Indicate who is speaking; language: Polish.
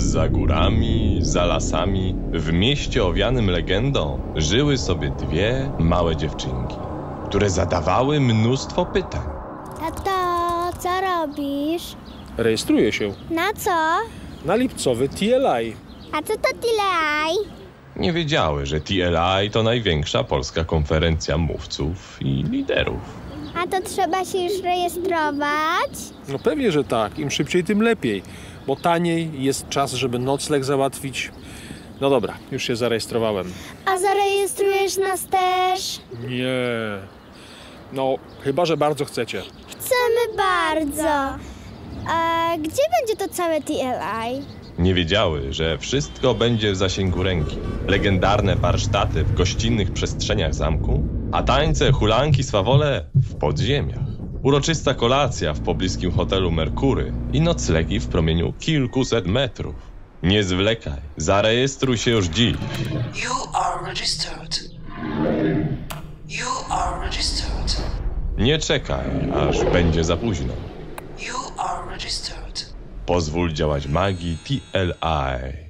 Speaker 1: Za górami, za lasami, w mieście owianym legendą żyły sobie dwie małe dziewczynki, które zadawały mnóstwo pytań.
Speaker 2: Tato, co robisz?
Speaker 3: Rejestruję się
Speaker 2: Na co?
Speaker 3: na lipcowy TLI.
Speaker 2: A co to TLI?
Speaker 1: Nie wiedziały, że TLI to największa polska konferencja mówców i liderów.
Speaker 2: A to trzeba się już rejestrować?
Speaker 3: No pewnie, że tak. Im szybciej, tym lepiej. Bo taniej, jest czas, żeby nocleg załatwić. No dobra, już się zarejestrowałem.
Speaker 2: A zarejestrujesz nas też?
Speaker 3: Nie. No, chyba że bardzo chcecie.
Speaker 2: Chcemy bardzo. A gdzie będzie to całe TLI?
Speaker 1: Nie wiedziały, że wszystko będzie w zasięgu ręki. Legendarne warsztaty w gościnnych przestrzeniach zamku, a tańce, hulanki, swawole w podziemiach. Uroczysta kolacja w pobliskim hotelu Merkury i noclegi w promieniu kilkuset metrów. Nie zwlekaj, zarejestruj się już dziś.
Speaker 4: You are registered. You are registered.
Speaker 1: Nie czekaj, aż będzie za późno.
Speaker 4: You are registered.
Speaker 1: Pozwól działać magii TLI.